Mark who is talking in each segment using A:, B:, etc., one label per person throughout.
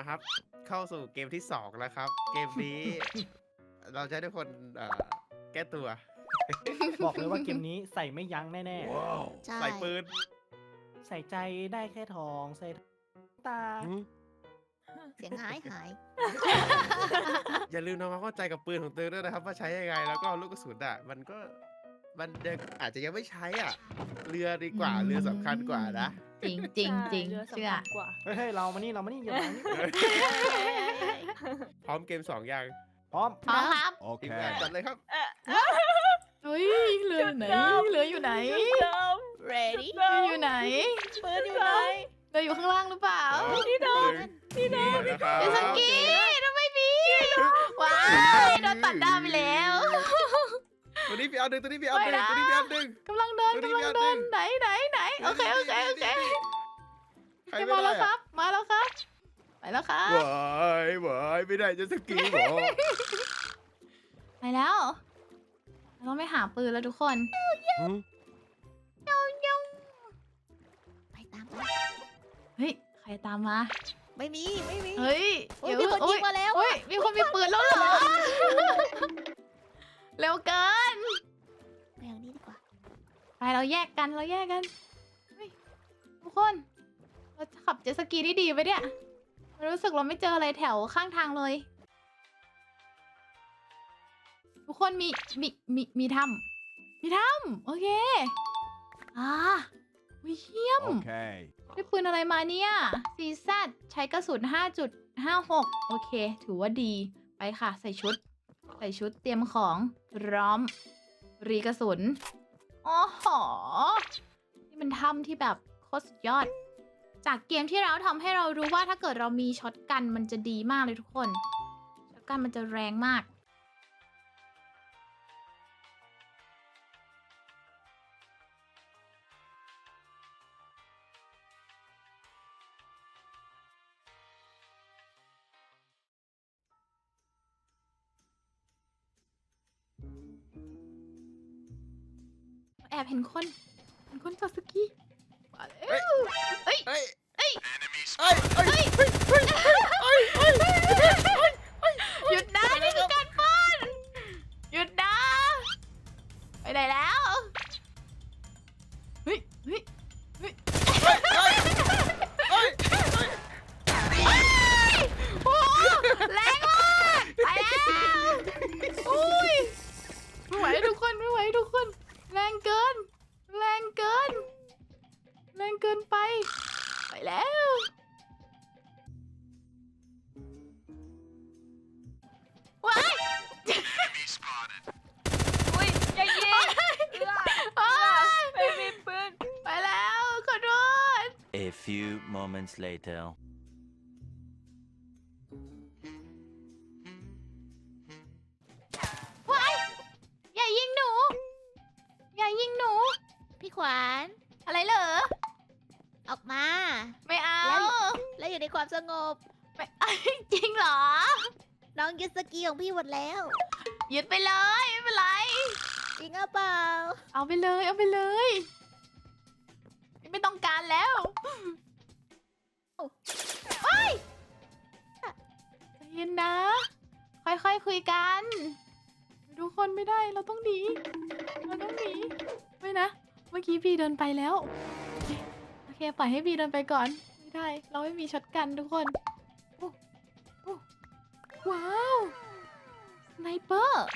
A: ครับ เข้าสู่เกมที่2แล้วครับ เกมนี้ เราจะให้ทุกคนแก้ตัว
B: บอกเลยว่าเกมนี้ใส่ไม่ยั้งแน่
C: ใช่
A: ใส่ปืน
B: ๆ ใส่ใจได้แค่ทองใส่ตา
C: เสียงหาย
A: อย่าลืมทำความเข้าใจกับปืนของตัวเองด้วยนะครับ ว่าใช้ยังไงแล้วก็ลูกกระสุนมันอาจจะยังไม่ใช้เรือดีกว่าเรือสำคัญกว่านะ
C: จริงจริงจริง
D: เรือ
C: เชื่อ
D: สำคัญกว่า
B: เฮ้ยเรามานี่อย่ามานี่
A: พร้อมเกม2ยัง
B: พร้อม
C: พร้อมครับ
A: ทีมงานจัดเลยครับ
C: เฮ้ยเรืออยู่ไหนเรืออยู่ไหน
D: เดิม
C: ready
D: เดิม
C: อยู่ไหน
D: ปืนอยู่ไหน
C: เรืออยู่ข้างล่างหรือเปล่า
A: ที่โดนที่โดนนะครับ
C: เรือสกีทำไมมีว้ายโดนตัดดาวไปแล้ว
A: ตัวนี้พี่เอาหนึ่งตัวนี้พี่เอาหนึ่งตัวนี้พี่เอาหนึ่ง
C: กำลังเดิน
A: ตัวนี้
C: กำลังเดินไหนโอเค
A: ใคร
C: จะ
A: ไม่
C: มา
A: ได้
C: แล้วครับ มาแล้วครับไปแล้วครับ
A: หวายไม่ได้จะสกีหรอ
C: ไปแล้วเราต้องไปหาปืนแล้วทุกคนไปตามไปเฮ้ยใครตามมา
D: ไม่มี
C: เฮ้ย
D: โอ้ยมีคนยิงมาแล้ว
C: โอ้ยมีคนมีปืนแล้วเหรอ เร็วเกิน
D: ไปทางนี้ดีกว่า
C: ไปเราแยกกันเฮ้ยทุกคนเราจะขับเจ็ตสกีได้ดีไปเนี่ยรู้สึกเราไม่เจออะไรแถวข้างทางเลย ทุกคนมีถ้ำโอเควิเยี่ยม
E: Okay.
C: ได้ปืนอะไรมาเนี่ย CZ ใช้กระสุน 5.56 โอเค ถือว่าดีไปค่ะใส่ชุดเตรียมของพร้อมรีกระสุนอ๋อหอนี่มันถ้ำที่แบบโคตรสุดยอด จากเกมที่เราทำให้เรารู้ว่าถ้าเกิดเรามีช็อตกันมันจะดีมากเลยทุกคนช็อตกันมันจะแรงมาก แอบเห็นคนจอดสกีมาแล้วเฮ้ย
A: เฮ้ย
C: หยุดนะนี่คือการปล้นหยุดนะไปไหนแล้วเฮ้ยโอ้แรงมากไปแล้วอุ้ยไม่ไหวทุกคนแรงเกินไปแล้วว้าย
D: อุ้ยอย่ายิงไม่มีปืน
C: ไปแล้วขอโทษ
E: A few moments later.
C: ว้ายอย่ายิงหนู
D: พี่ขวาน
C: อะไรเหรอ
D: ออกมา
C: ไม่เอา
D: แล้วอยู่ในความสงบ
C: ไม่ จริงเหรอ
D: น้องยึดสกีของพี่หมดแล้ว
C: ยึดไปเลยไม่เป็นไร
D: จริงหรือเปล่า
C: เอาไปเลยไม่ต้องการแล้วเฮ้ยใจเย็นนะ ค่อยๆคุยกันทุกคนไม่ได้เราต้องหนีไม่นะเมื่อกี้พี่เดินไปแล้วโอเคปล่อยให้พี่เดินไปก่อนไม่ได้เราไม่มีช็อตกันทุกคนโอ้ว้าวสไนเปอร์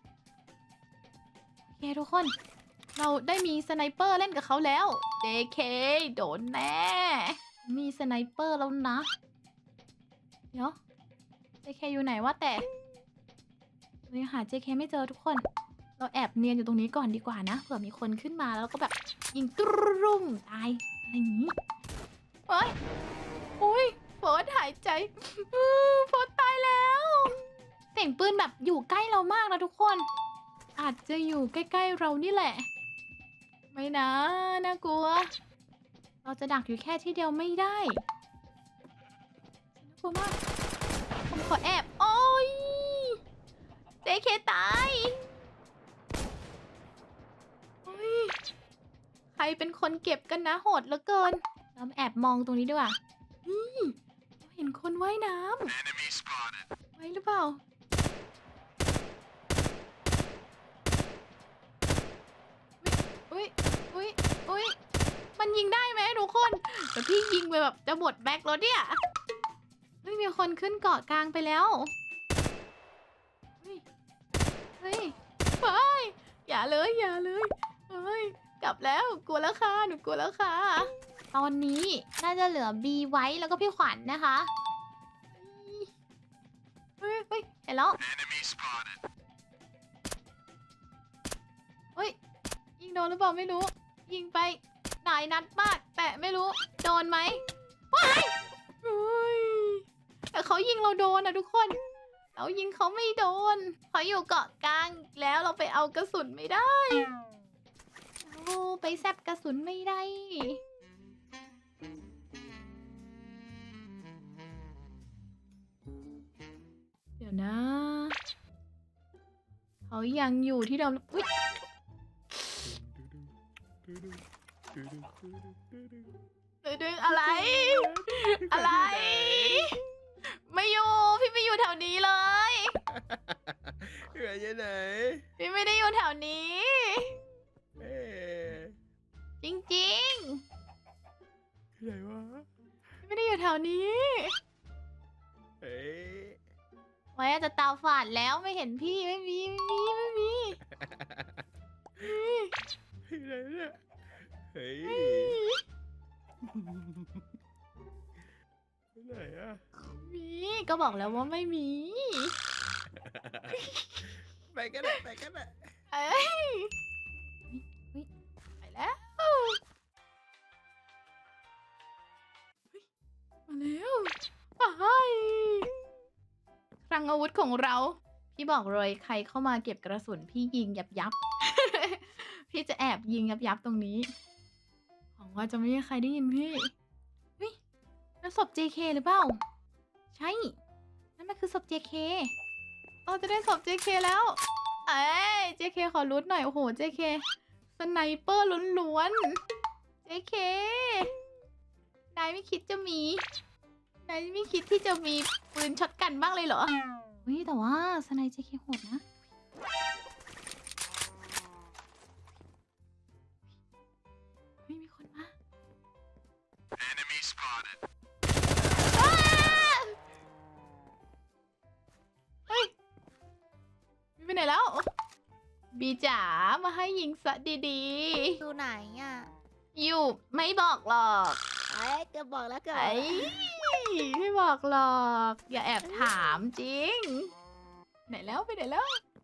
C: โอเคทุกคนเราได้มีสไนเปอร์เล่นกับเขาแล้ว JK โดนแน่มีสไนเปอร์แล้วนะเดี๋ยว JK อยู่ไหนวะแต่เรายังหา JK ไม่เจอทุกคนเราแอบเนียนอยู่ตรงนี้ก่อนดีกว่านะเผื่อมีคนขึ้นมาแล้วก็แบบยิงตรุ่มตายอะไรอย่างนี้เฮ้ยอุ้ยโฟร์หายใจโฟร์ตายแล้วเสียงปืนแบบอยู่ใกล้เรามากนะทุกคนอาจจะอยู่ใกล้ๆเรานี่แหละไม่นะน่ากลัวเราจะดักอยู่แค่ที่เดียวไม่ได้น่ากลัวมากผมขอแอบโอ้ยJKตายโอ้ยใครเป็นคนเก็บกันนะโหดเหลือเกินเรามาแอบมองตรงนี้ดีกว่านี่เห็นคนว่ายน้ำไว้หรือเปล่าอุ้ยอุ้ยอุ้ยมันยิงได้ไหมทุกคนแต่พี่ยิงไปแบบจะหมดแบ็คแล้วเนี่ยไม่มีคนขึ้นเกาะกลางไปแล้วเฮ้ยเฮ้ยไปอย่าเลยอย่าเลยเฮ้ยกลับแล้วกลัวแล้วค่ะหนูกลัวแล้วค่ะตอนนี้น่าจะเหลือบีไว้แล้วก็พี่ขวัญนะคะเฮ้ยเฮ้ยเห็นแล้วเฮ้ยยิงโดนหรือเปล่าไม่รู้ยิงไปหลายนัดมากแต่ไม่รู้โดนไหมว้ายเฮ้ยแต่เขายิงเราโดนนะทุกคนเรายิงเขาไม่โดนเขาอยู่เกาะกลางแล้วเราไปเอากระสุนไม่ได้เราไปแซบกระสุนไม่ได้เดี๋ยวนะเขายังอยู่ที่เดิมอุ๊ยดึงอะไร อะไร ไม่อยู่ พี่ไม่อยู่แถวนี้เลย
A: อยู่ไหน
C: พี่ไม่ได้อยู่แถวนี้
A: เอ๊ะ
C: จริง
A: ไหนวะ
C: ๆพี่ไม่ได้อยู่แถวนี้
A: เอ๊ะ
C: ไว้อาจจะตาฝาดแล้วไม่เห็นพี่ไม่มี
A: อยู่ไหนเนี่ยเฮ้ยไหนอะ
C: มีก็บอกแล้วว่าไม่มี
A: ไปกันเลยไปกันเลย
C: เอ้ยไปแล้วมาแล้วไปคลังอาวุธของเรา พี่บอกเลยใครเข้ามาเก็บกระสุนพี่ยิงยับ พี่จะแอบยิงยับตรงนี้หวังว่าจะไม่มีใครได้ยินพี่เฮ้ยนั่นศพ JK หรือเปล่า ใช่ นั่นมันคือศพ JK เราจะได้ศพ JK แล้ว เอ้ย JK ขอรุดหน่อย โอ้โห JK สไนเปอร์ล้วนๆ JK นายไม่คิดจะมี นายไม่คิดที่จะมีปืนช็อตกันบ้างเลยเหรอเฮ้ยแต่ว่าสไน JK โหดนะเฮ้ยมีคนมาอ้าเฮ้ยมีไปไหนแล้ว บีจ๋ามาให้ยิงซะดี
D: ดูไหนอ่ะ
C: ๆ อยู่ไม่บอกหรอก
D: เอ้ยเกือบบอกแล้วเกือบ
C: ไอ้ไม่บอกหรอก อย่าแอบถามจริง ไหนแล้วไปไหนแล้ว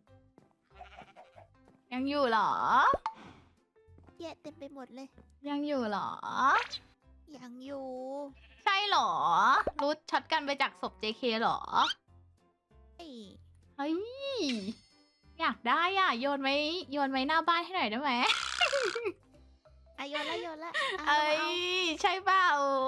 C: ยังอยู่เหรอ
D: แย่เต็มไปหมดเลย
C: ยังอยู่เหรอ
D: ยังอยู่
C: ใช่เหรอ รู้ช็อตกันไปจากศพ JK เหรอ
D: เฮ้ย
C: เฮ้ย อยากได้อ่ะ โยนไว้หน้าบ้านให้หน่อยได้ไหม
D: อ่ะโยนละโยนละะ
C: เอ้ย
D: เอา
C: ใช่เปล่า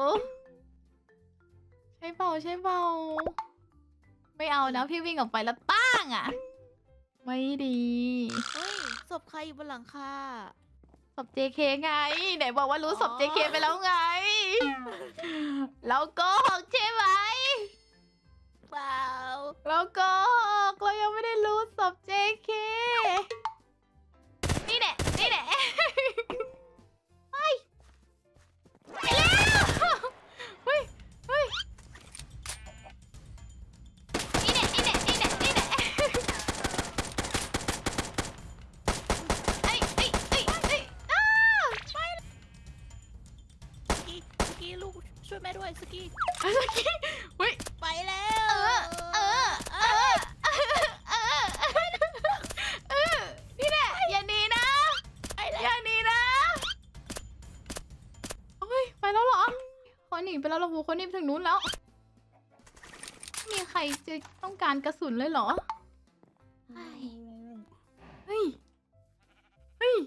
C: ใช่เปล่า ใช่เปล่า ไม่เอานะพี่วิ่งออกไปแล้วป้างอ่ะ ไม่ดี
D: เฮ้ยศพใครอยู่บนหลังคา
C: ศพ JK ไง ไหนบอกว่ารู้ศพ
D: อ๋อ
C: JK ไปแล้วไง เราโกหกใช่ไหม
D: เปล่า
C: เราโกหกเรายังไม่ได้รู้ศพ JK นี่แหละนี่แหละไปไปแล้วเฮ้ยเฮ้ยนี่แหละนี่แหละนี่แหละนี่แหละเอ้ยเอ้ยเอ้ยเอ้ยอ้าไป
D: สกี้ลูกช่วยแม่ด้วยสกี้
C: เฮ้ย
D: ไปแล้ว
C: นี่แหละอย่าหนีนะอย่าหนีนะเฮ้ยไปแล้วเหรอเขาหนีไปแล้วเหรอโหเขาหนีไปถึงนู้นแล้วมีใครจะต้องการกระสุนเลยเหรอเฮ้ยเฮ้ยเฮ้ย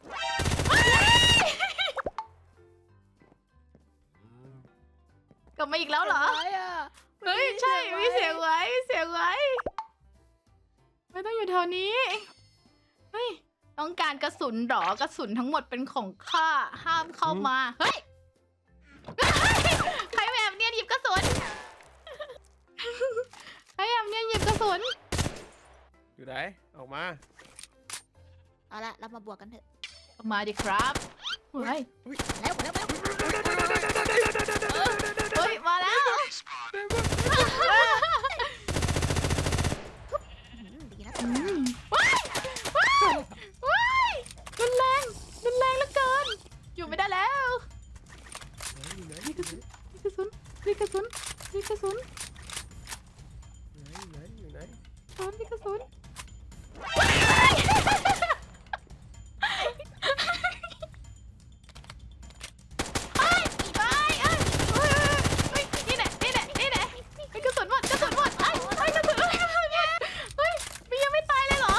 C: กลับมาอีกแล้วเหรอ เฮ้ยใช่มีเสียงไว้มีเสียงไว้ไม่ต้องอยู่แถวนี้เฮ้ยต้องการกระสุนหรอกระสุนทั้งหมดเป็นของข้าห้ามเข้ามาเฮ้ยใครแบบเนียนหยิบกระสุนพยายามเนี่ยหยิบกระสุน
A: อยู่ไหนออกมา
D: เอาละเรามาบวกกันเถอะ
C: ออกมาดิครับเฮ้ย
D: แล้ว
C: เฮ้ยมาแล้ว
D: ดีนะ
C: ว้ายว้ายว้ายรุนแรงเหลือเกิน อยู่ไม่ได้แล้ว
A: อยู่ไหน
C: มีกระสุนมีกระสุนมีกระสุนมีกระสุน
A: อยู่ไหน
C: มีกระสุนนี่แหละมีกระสุนหมดเฮ้ยกระสุนเฮ้ยมียังไม่ตายเลยเหรอ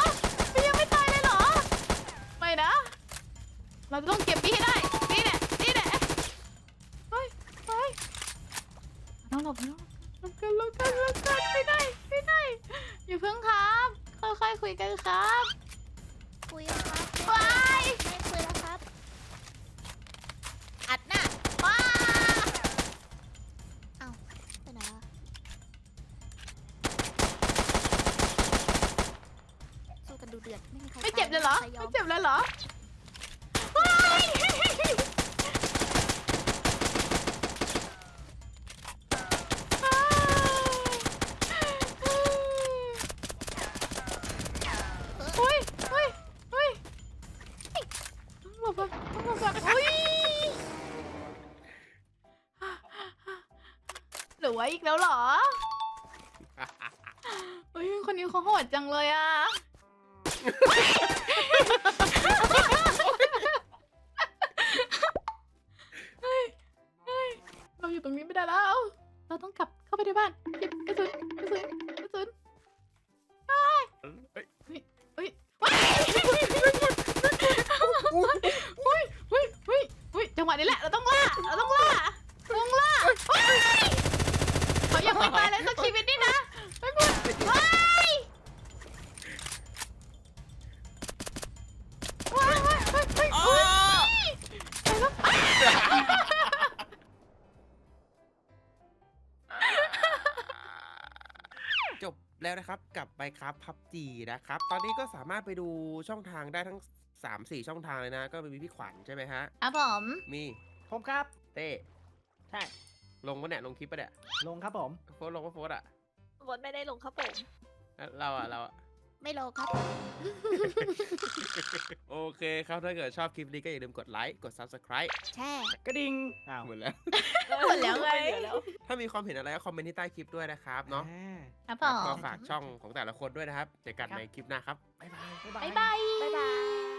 C: ไม่นะ เราจะต้องเก็บพี่ให้ได้นี่แหละเฮ้ยต้องหลบกันไม่ได้อย่าเพิ่งครับค่อยๆคุยกันครับ
D: คุยแล้วครับ
C: ว้าย
D: ไม่คุยแล้วครับ อัดหน้า
C: ว้า
D: เอ้าไปไหนวะสู้กันดูเดือดไม่มีใคร
C: ไม่เจ็บเลยเหรอ
D: ใคยอ
C: ไม่
D: ม
C: เจ็บเลยเหรอว้ายอุ้ยต้องหลบก่อนอุ้ยหรือว่าอีกแล้วเหรอเฮ้ยคนนี้เขาโหดจังเลยอ่ะ เราอยู่ตรงนี้ไม่ได้แล้ว เราต้องกลับเข้าไปในบ้านหยิบกระสุนเฮ้ยจังหวะนี้แหละ เราต้องล่าเขาอยากไม่ตายเลยสักชีวิตนี่นะไม่พูด
A: จบแล้วนะครับกับไปครับพับจีนะครับ ตอนนี้ก็สามารถไปดูช่องทางได้ทั้ง 3-4 ช่องทางเลยนะ ก็มีพี่ขวัญใช่ไหมฮะ
C: ครับผม
A: มี
B: ผมครับ
A: เต้
B: ใช่
A: ลงปะเนี่ยลงคลิปปะเนี่ย
B: ลงครับผม
A: โฟสลงปะโฟสอ่ะ
D: บดไม่ได้ลงครับผม
A: แล้วเราอ่ะ
D: ไม่ลงครับ
A: โอเคครับ ถ้าเกิดชอบคลิปนี้ก็อย่าลืมกดไลค์ กด Subscribe
D: แช่
B: กระดิ่งอ้าว
A: หมดแล้ว
C: หมดแล้วไง
A: ถ้ามีความเห็นอะไรก็คอมเมนต์ที่ใต้คลิปด้วยนะครับเนาะ
C: ครับผ
A: ก็
C: ม
A: ฝากช่องของแต่ละคนด้วยนะครับ เจอกันในคลิปหน้าครับ บ๊ายบาย
B: บ๊ายบาย
C: บ๊ายบาย
D: บ๊ายบาย